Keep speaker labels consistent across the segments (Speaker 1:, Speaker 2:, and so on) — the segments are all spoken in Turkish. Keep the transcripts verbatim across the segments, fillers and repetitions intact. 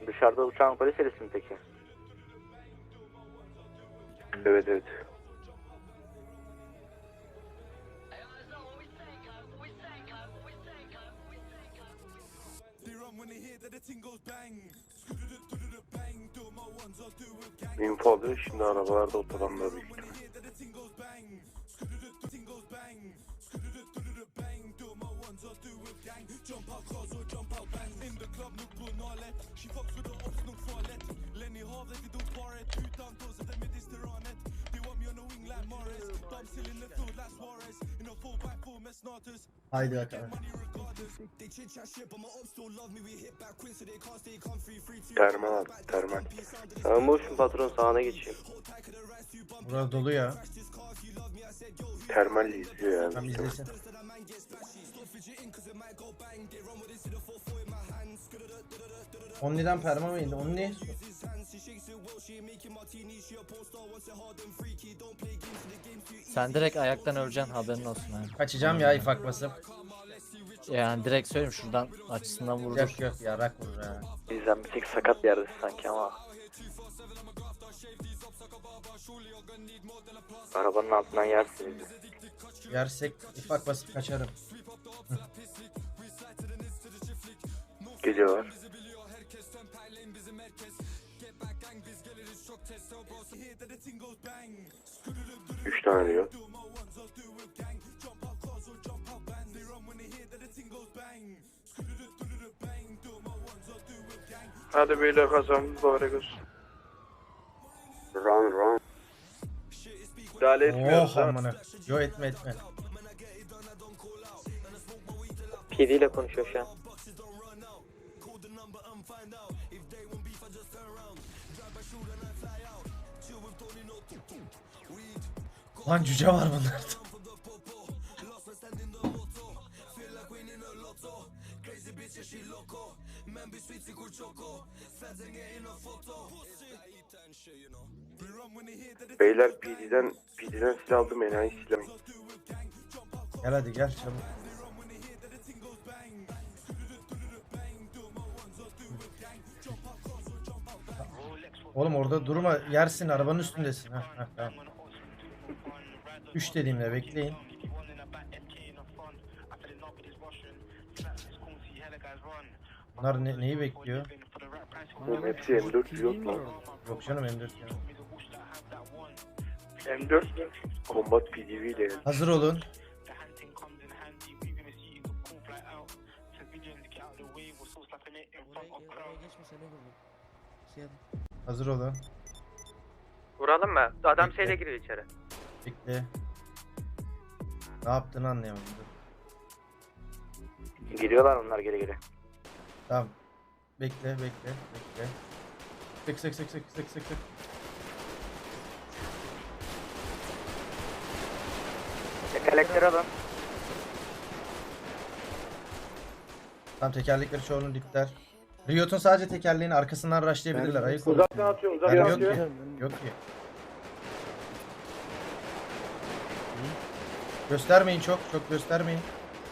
Speaker 1: Dışarıda uçağın polis serisi mi peki?
Speaker 2: Evet evet. Info alıyor şimdi arabalarda otobanda büyük ihtimal.
Speaker 3: Haydi bakalım.
Speaker 2: Termal abi termal.
Speaker 4: Sen boşsun patron, sağına geçeyim.
Speaker 3: Burada dolu ya.
Speaker 2: Termal izliyor yani.
Speaker 3: Tam izlesin. Only'den perma mı indi? Only?
Speaker 5: Sen direkt ayaktan öleceksin, haberin olsun yani.
Speaker 3: Kaçacağım ya ifak basıp.
Speaker 5: Yani direkt söyleyeyim, şuradan açısından vurur.
Speaker 3: Yok yok ya rak vurur ha.
Speaker 1: Bizden bir tek sakat yerdesin sanki ama. Arabanın altından yersin bizi.
Speaker 3: Yersek ifak basıp kaçarım.
Speaker 2: Geliyorlar. Üç tane diyor. Hadi beyler kazan mübarek olsun. Run run. Müdahale etmiyoruz
Speaker 3: Oh
Speaker 2: ha.
Speaker 3: amına. Yo etme etme.
Speaker 4: P D ile konuşuyor şu an.
Speaker 3: Lan cüce var bunlarda.
Speaker 2: Beyler P D'den P D'den silah aldım, enayi silah.
Speaker 3: Gel hadi gel çabuk. Oğlum orada durma, yersin, arabanın üstündesin. Heh, heh, tamam. üç dediğimde bekleyin. Bunlar ne, neyi bekliyor?
Speaker 2: Oğlum hepsi M dört yok lan.
Speaker 3: Yok canım M dört ya.
Speaker 2: M dört Combat P D V ile.
Speaker 3: Hazır olun. Hazır olun.
Speaker 1: Vuralım mı? Adam şeyle giriyor içeri.
Speaker 3: Bekle. Ne yaptığını anlayamadım. Dur.
Speaker 1: Giriyorlar onlar geri geri.
Speaker 3: Tamam. Bekle, bekle, bekle. Sık sık sık sık sık sık sık.
Speaker 1: Tekerlekleri alın.
Speaker 3: Tamam, tekerlekleri çoğunun dipler. Riot'un sadece tekerleğini arkasından rushlayabilirler. Ayık olun.
Speaker 2: Uzaktan atıyorum, uzaktan
Speaker 3: Yani yok
Speaker 2: atıyorum.
Speaker 3: ki. Yok ki. Göstermeyin çok, çok göstermeyin.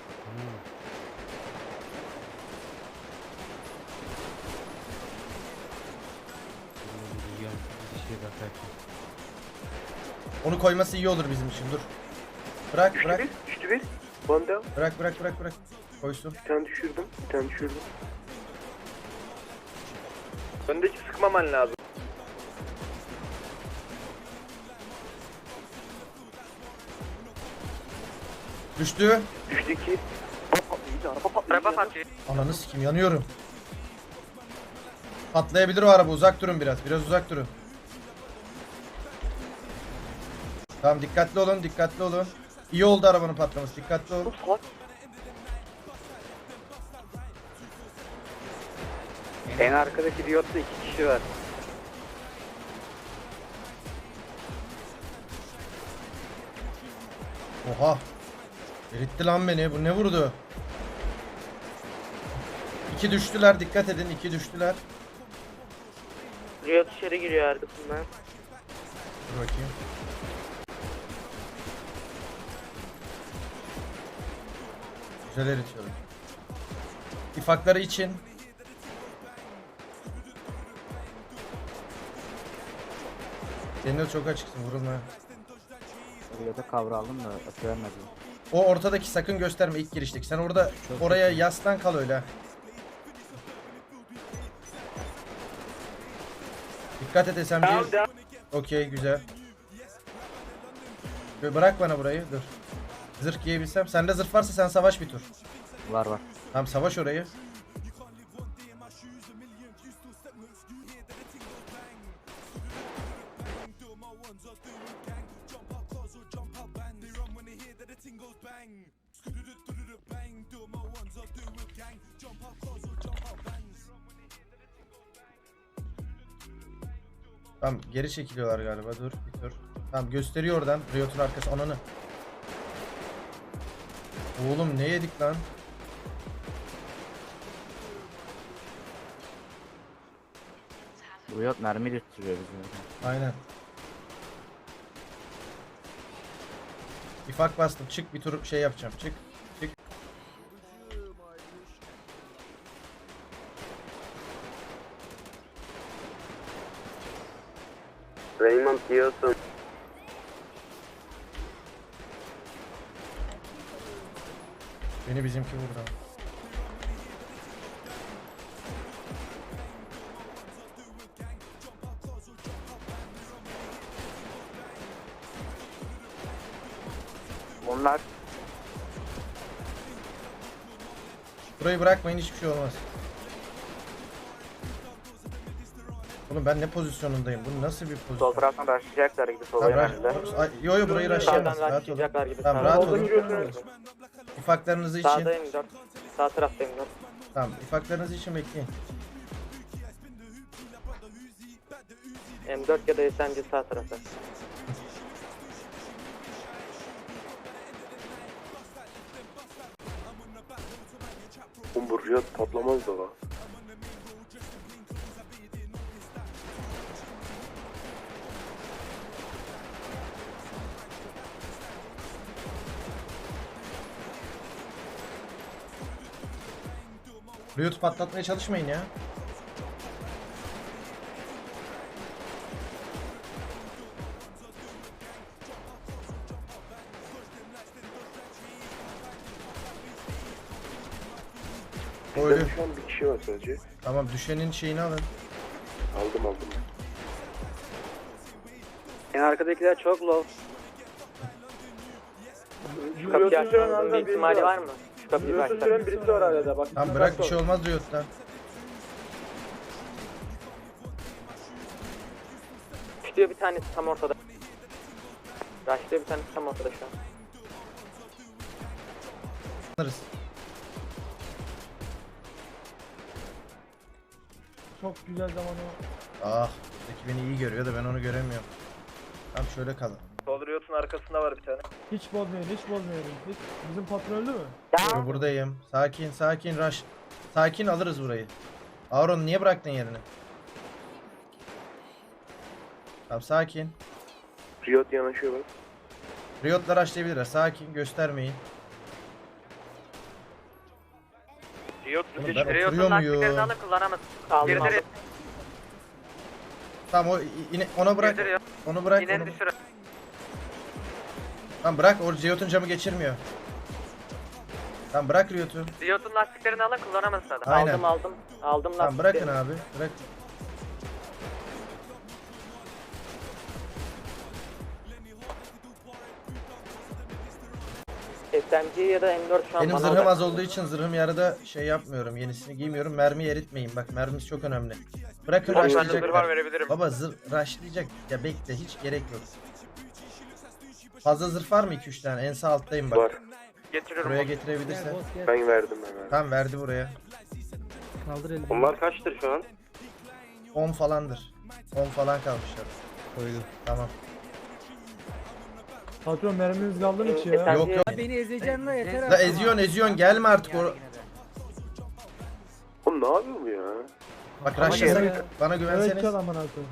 Speaker 3: Onu koyması iyi olur bizim için. Dur. Bırak,
Speaker 2: Düştü
Speaker 3: bırak.
Speaker 2: bir, düştü bir. Banda.
Speaker 3: Bırak, bırak, bırak, bırak. Koysun.
Speaker 2: Bir tane düşürdüm, bir tane düşürdüm.
Speaker 1: Öndeki sıkmaman lazım.
Speaker 3: Düştü.
Speaker 2: Düştü iki.
Speaker 1: Araba patlıyor.
Speaker 3: Ananı sikeyim, yanıyorum. Patlayabilir o araba, uzak durun biraz. Biraz uzak durun. Tamam, dikkatli olun, dikkatli olun. İyi oldu arabanın patlaması, dikkatli olun.
Speaker 1: En arkadaki Riot'ta iki kişi var.
Speaker 3: Oha. Eritti lan beni, bu ne vurdu? İki düştüler, dikkat edin, iki düştüler.
Speaker 4: Riot içeri giriyor arkasından.
Speaker 3: Dur bakayım. Güzel eritiyorum. İfakları için. Senin de çok açıksın, vurulma.
Speaker 6: Riyada kavraldım da öpemedim.
Speaker 3: O ortadaki sakın gösterme ilk girişteki. Sen orada
Speaker 6: Çok
Speaker 3: oraya
Speaker 6: kötü.
Speaker 3: yaslan kal öyle. Dikkat et S M G. Okey, güzel. Böyle bırak bana burayı, dur. Zırh giyebilsem. Sende zırh varsa sen savaş bir tur.
Speaker 6: Var var.
Speaker 3: Tamam, savaş orayı. Tamam, geri çekiliyorlar galiba. Dur bir dur. Tamam, gösteriyor oradan. Riot'un arkası, ananı. Oğlum ne yedik lan?
Speaker 6: Bu yok mermi götürüyor bizi.
Speaker 3: Aynen. İfak bastım. Çık bir tur şey yapacağım. Çık. Çık.
Speaker 4: Raymond diyorsun.
Speaker 3: Beni bizimki vurdu.
Speaker 6: Bunlar
Speaker 3: Burayı bırakmayın, hiçbir şey olmaz. Oğlum ben ne pozisyonundayım? Bu nasıl bir pozisyon?
Speaker 4: Sol taraftan başlayacaklar gibi sol
Speaker 3: Tamam,
Speaker 4: yönünde.
Speaker 3: rush- Ay, yo yo burayı rushlayamaz.
Speaker 4: Sağdan
Speaker 3: Rahat olun.
Speaker 4: başlayacaklar gibi.
Speaker 3: Tamam,
Speaker 4: sağdan.
Speaker 3: rahat
Speaker 4: Soldan
Speaker 3: olun.
Speaker 4: yürüyorsunuz.
Speaker 3: İfaklarınızı için.
Speaker 4: Sağdayım dört. Sağ taraftayım dört.
Speaker 3: Tamam, ifaklarınızı için bekleyin.
Speaker 4: M dört ya da S M G sağ tarafta.
Speaker 2: Oğlum bu Riyad patlamaz da la.
Speaker 3: Riot patlatmaya çalışmayın ya. Öyle.
Speaker 2: Bizde şu an bir kişi var sadece.
Speaker 3: Tamam, düşenin şeyini alın.
Speaker 2: Aldım aldım.
Speaker 4: En arkadakiler çok low. Şu kapıyı açmanızın bir ihtimali var mı? Şu kapıyı açsak.
Speaker 1: birisi var hala bak.
Speaker 3: Tamam, bırak, bir şey olmaz Riot'tan.
Speaker 4: Düşüyor bir tanesi tam ortada. Rushlıyor bir tanesi tam ortada şu an.
Speaker 3: Alırız.
Speaker 7: Çok güzel zaman o.
Speaker 3: Ah, buradaki beni iyi görüyor da ben onu göremiyorum. Tamam, şöyle kalın.
Speaker 1: Sol Riot'un arkasında var bir tane.
Speaker 7: Hiç bozmayalım, hiç bozmayalım. Hiç. Bizim patron öldü mü?
Speaker 3: Yo, buradayım. Sakin, sakin rush. Sakin, alırız burayı. Auron niye bıraktın yerini? Tamam, sakin.
Speaker 2: Riyad yanaşıyor bak.
Speaker 3: Riot'la rushlayabilirler. Sakin, göstermeyin.
Speaker 1: Riot
Speaker 3: Oğlum ben
Speaker 1: Riot'un
Speaker 3: oturuyor
Speaker 1: lastiklerini
Speaker 3: muyum?
Speaker 1: alın, kullanamaz.
Speaker 4: Aldım
Speaker 1: Girdi
Speaker 4: aldım.
Speaker 1: Riot.
Speaker 3: Tamam, o yine ona bırak.
Speaker 1: Girdi Riot.
Speaker 3: Onu bırak.
Speaker 1: İleri
Speaker 3: Onu...
Speaker 1: düşür.
Speaker 3: Tamam, bırak. O Riot'un camı geçirmiyor. Tamam, bırak Riot'u.
Speaker 1: Riot'un lastiklerini alın, kullanamazsın adam.
Speaker 3: Aynen.
Speaker 4: Aldım aldım. Aldım
Speaker 3: Tamam,
Speaker 4: lastikleri.
Speaker 3: bırakın abi. Bırak.
Speaker 4: S M G ya da M dört şu an
Speaker 3: Benim
Speaker 4: bana
Speaker 3: zırhım
Speaker 4: odaklı.
Speaker 3: az olduğu için zırhım yarıda şey yapmıyorum. Yenisini giymiyorum. Mermi eritmeyin. Bak, mermimiz çok önemli. Bırakın,
Speaker 1: Bak, bende zırh var,
Speaker 3: rushlayacaklar.
Speaker 1: verebilirim.
Speaker 3: Baba, zırh rushlayacak. Ya bekle, hiç gerek yok. Fazla zırh var mı? iki üç tane. En sağ alttayım bak.
Speaker 2: Var.
Speaker 1: Getiriyorum.
Speaker 3: Buraya
Speaker 1: onu.
Speaker 3: getirebilirsen.
Speaker 2: Ben verdim hemen.
Speaker 3: Tamam, verdi buraya.
Speaker 7: Kaldır elini.
Speaker 4: Onlar kaçtır şu an?
Speaker 3: on falandır. on falan kalmışlar.
Speaker 6: koydum.
Speaker 3: Tamam.
Speaker 7: Patron mermimiz kaldı mı hiç
Speaker 4: Ee,
Speaker 7: ya?
Speaker 4: sen-
Speaker 3: Yok yok.
Speaker 8: Beni ezeceksin la yeter
Speaker 3: La eziyorsun eziyorsun, gelme artık. O...
Speaker 2: Oğlum ne yapıyor bu ya?
Speaker 3: Bak,
Speaker 7: Ama
Speaker 3: rushlasak
Speaker 7: ya.
Speaker 3: bana
Speaker 7: Evet
Speaker 3: güvenseniz.
Speaker 7: çal aman koyayım.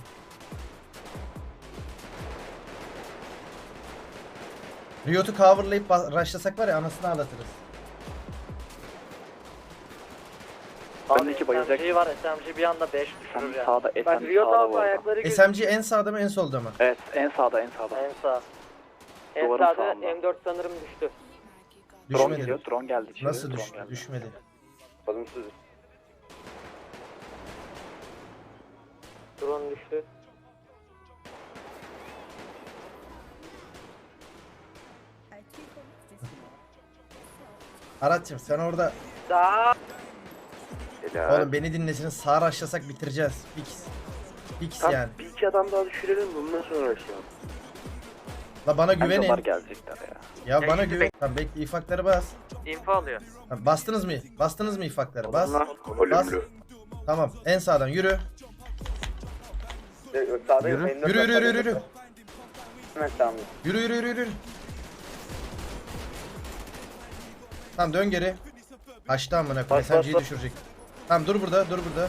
Speaker 3: Riot'u coverlayıp ba- rushlasak var ya, anasını ağlatırız.
Speaker 8: Bendeki bayılacak.
Speaker 5: S M G var, S M G bir anda beş düşürür
Speaker 8: Sen
Speaker 5: yani.
Speaker 8: sağda,
Speaker 4: Bak
Speaker 8: Esen
Speaker 4: Riot
Speaker 8: sağda
Speaker 4: abi
Speaker 8: bu arada.
Speaker 4: ayakları
Speaker 3: S M G en sağda mı en solda mı?
Speaker 8: Evet, en sağda, en sağda.
Speaker 5: En sağ.
Speaker 4: En
Speaker 8: duvarın
Speaker 4: sağda
Speaker 8: sağında.
Speaker 4: M dört sanırım düştü.
Speaker 8: Drone
Speaker 3: Düşmedi.
Speaker 8: geliyor, drone geldi içeri.
Speaker 3: Nasıl
Speaker 8: drone
Speaker 3: düştü?
Speaker 8: geldi.
Speaker 3: Düşmedi.
Speaker 2: Bazımsız.
Speaker 4: Drone düştü.
Speaker 3: Aratçım sen orada
Speaker 4: Daha
Speaker 2: Helal.
Speaker 3: oğlum beni dinlesiniz sağ raşlasak bitireceğiz. Fix. Fix
Speaker 2: Tam
Speaker 3: yani.
Speaker 2: bir iki adam daha düşürelim bundan sonra aşağı.
Speaker 3: La bana
Speaker 8: Bence onlar
Speaker 3: güvenin.
Speaker 8: gelecekler ya.
Speaker 3: Ya
Speaker 1: Ya
Speaker 3: bana
Speaker 1: şimdi
Speaker 3: güven. Tamam bekle ifakları bas.
Speaker 1: info alıyor.
Speaker 3: Tamam, bastınız mı? Bastınız mı ifakları? Bas. Bas.
Speaker 2: Ölümlü.
Speaker 3: Tamam en sağdan yürü.
Speaker 6: Yürü.
Speaker 3: Yürü yürü yürü yürü.
Speaker 4: hemen tamam.
Speaker 3: Yürü yürü yürü yürü. Tamam dön geri. Açtı amına koyayım. S M G'yi düşürecek. Tamam dur burada, dur burada.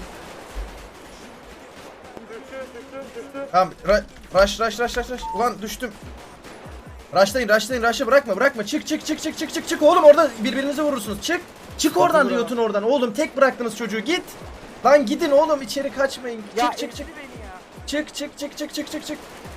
Speaker 3: Tamam, ra rush rush rush rush rush. Ulan düştüm. Rushlayın, rushlayın, rush'ı bırakma, bırakma. Çık çık çık çık çık çık çık. Oğlum orada birbirinize vurursunuz. Çık. Çık oradan Riot'un oradan. Oğlum tek bıraktınız çocuğu. Git. Lan gidin oğlum içeri kaçmayın. Çık çık çık. Çık çık çık çık çık çık çık.